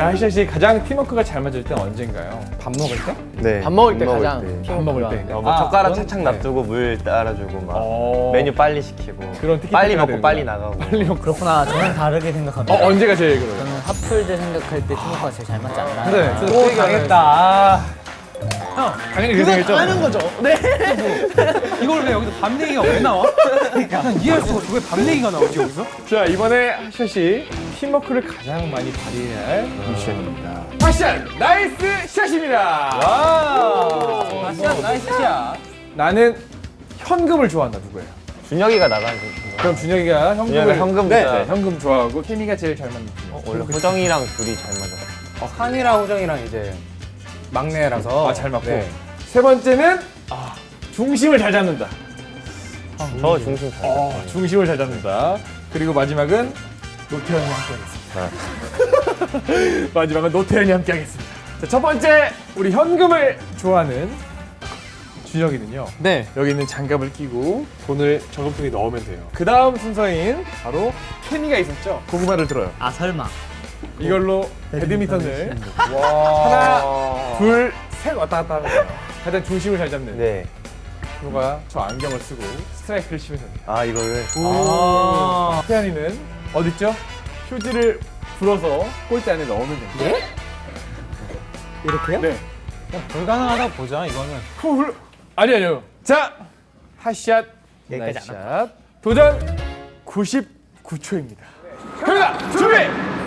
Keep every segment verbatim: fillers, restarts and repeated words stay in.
하시아 씨 가장 팀워크가 잘 맞을 때는 언젠가요? 밥 먹을 때? 네. 밥 먹을 때 가장 때. 밥 먹을 때. 어, 뭐 아, 젓가락 그건- 착착 네. 놔두고 물 따라주고 막 어. 메뉴 빨리 시키고 그런 티키타카가 빨리 먹고 되는구나. 빨리 나가고. 빨리 먹고. 그렇구나. 저는 다르게 생각합니다. 어, 언제가 제일 그래요? 저는 하플드 생각할 때 팀워크가 제일 잘 맞지 않나. 그래. 오, 당했다. 형, 당연히 그렇게 생겼죠? 하는 거죠. 네. 이걸 왜 여기서 밤 얘기가 왜 나와? 난 이해할 수가 없어. 왜 밤 얘기가 나오지 여기서? 자, 이번에 하시아 씨 팀워크를 가장 많이 발휘해야 할 미션입니다. 하시아 나이스 샷입니다. 와. 샷 나이스 샷. 나는 현금을 좋아한다. 누구예요? 준혁이가 나가는 거. 그럼 준혁이가 현금을 준혁이가 현금 네, 좋아해. 네, 현금 좋아하고 케미가 제일 잘 맞는 팀. 어, 원래 호정이랑 둘이 잘 맞아. 어, 한이랑 호정이랑 이제 막내라서 아, 잘 맞고. 네. 세 번째는 아, 중심을 잘 잡는다. 저 중심 잘 어, 잡아요. 중심을 잘 잡는다. 그리고 마지막은 노태현이 함께하겠습니다. 마지막은 노태현이 함께하겠습니다. 자, 첫 번째 우리 현금을 좋아하는 준혁이는요. 네. 여기 있는 장갑을 끼고 돈을 저금통에 넣으면 돼요. 그 다음 순서인 바로 케미가 있었죠. 고구마를 들어요. 아 설마. 이걸로 배드민턴을 하나, 둘, 셋 왔다 갔다 하는 거예요. 가장 중심을 잘 잡는 네. 프로가 저 안경을 쓰고 스트라이크를 치면 됩니다. 아 이거를. 아. 태연이는 어딨죠? 휴지를 불어서 골대 안에 넣으면 됩니다. 예? 이렇게요? 네. 불가능하다 보자 이거는. 후, 아니 아니요. 자, 핫샷, 여기까지 안 나이스샷. 도전 구십구 초입니다. 갑니다. 준비.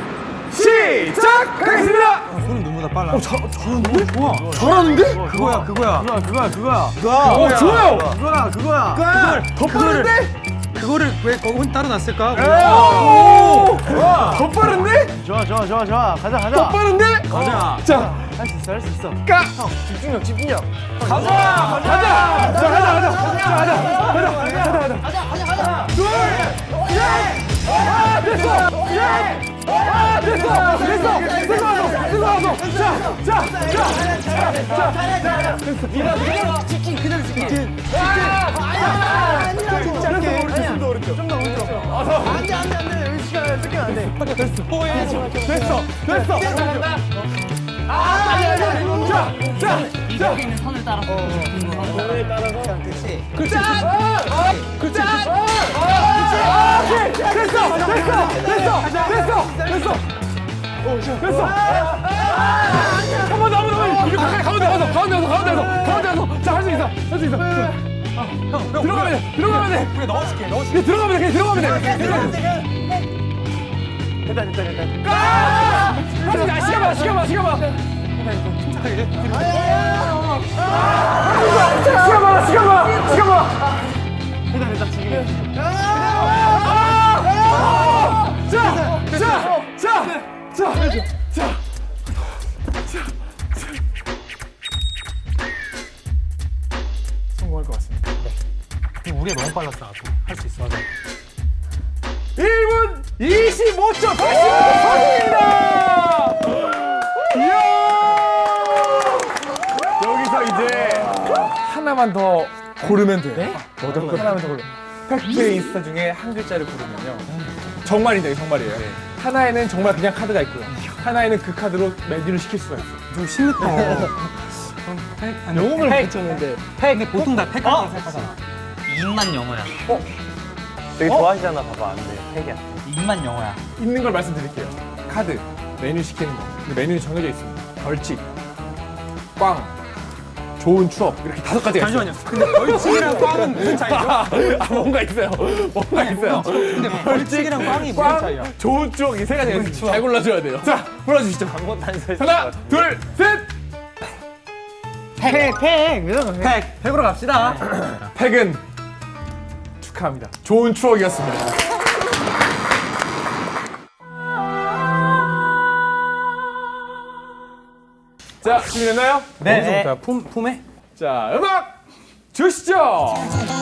시작하겠습니다. 손은 눈보다 빨라. 어, 잘, 잘하는데? 좋아. 잘하는데? 그거야 그거야. 그거야 그거야 그거야. 어, 좋아요. 그거야 그거야. 그걸 더 빠른데? 그거를 왜 거기 따로 놨을까? 오! 더 빠른데? 좋아 좋아 좋아 좋아. 가자 가자. 더 빠른데? 가자. 자, 할 수 있어 할 수 있어. 까! 집중력 집중력. 가자! 가자! 자, 가자, 가자! 자, 가자! 가자! 가자! 가자! 가자! 둘! 셋! 아, 됐어! 셋! 아, 됐어! 됐어! 됐어! 됐어! 왔어! 자! 자! 자! 자! 자! 됐어! 미라! 치킨 그대로 치킨. 짧게 오른쪽, 좀더 오른쪽. 좀더 오른쪽. 안돼 안돼 안돼. 여기 시간 시간 안 돼. 됐어! 됐어! 됐어! 아, 아니, 아니, 아니. 자! 자! 자! 있는 선을 따라서. 그렇지. 그렇지! 아! 그렇지! 아! 아! 오케이! 됐어! 됐어! 됐어! 됐어! 됐어! 됐어! 한 번 더, 한 번 더! 이거 가까이 가운데 가서, 가운데 가서, 가운데 가서, 가운데 가서! 자, 할 수 있어! 할 수 있어! 형 들어가면 돼! 들어가면 돼! 그래 넣어줄게 넣어줄게. 그냥 들어가면 돼! 그냥 들어가면 돼! 들어가면 돼! 됐다 됐다 됐다. 아! 할 수 있어! 시간 봐! 시간 봐! 시간 봐! 침착하게. 시간 봐! 시간 봐! 시간 봐! 됐다 됐다 지금. 자! 자! 자! 자! 자! 자! 성공할 것 같습니다. 우리가 너무 빨랐어. 할 수 있어. 일 분 이십오 초 성공입니다! 이야! 여기서 이제 하나만 더 고르면 돼요. 어떤 거? 하나만 더 고르면. 팩트 인스타 중에 한 글자를 고르면요. 정말인데 정말이에요. 하나에는 정말 그냥 카드가 있고요. 하나에는 그 카드로 메뉴를 시킬 수가 있어요. 좀 심했다. 영웅을 팩. 붙였는데. 팩. 근데 보통 다 팩 같은 거 살 거잖아. 입만 영어야. 되게 좋아하시잖아. 봐봐 안 돼. 팩이야. 입만 영어야. 있는 걸 말씀드릴게요. 카드, 메뉴 시키는 거. 근데 메뉴는 정해져 있습니다. 벌칙, 꽝, 좋은 추억 이렇게 다섯 가지가 있어요. 잠시만요. 근데 벌칙이랑 꽝은 무슨 차이죠? 아, 뭔가 있어요. 뭔가 있어요. 근데 벌칙이랑 꽝이 무슨 꽝, 차이야? 좋은 추억 이 세 가지가 있어요. 잘 골라줘야 돼요. 자, 골라주시죠. 아무것도 안 서 있을 것 하나, 같은데. 둘, 셋. 팩. 팩. 무조건 팩. 팩으로 갑시다. 팩은 축하합니다. 좋은 추억이었습니다. 자, 준비됐나요? 네. 자, 품 품에. 자, 음악 주시죠.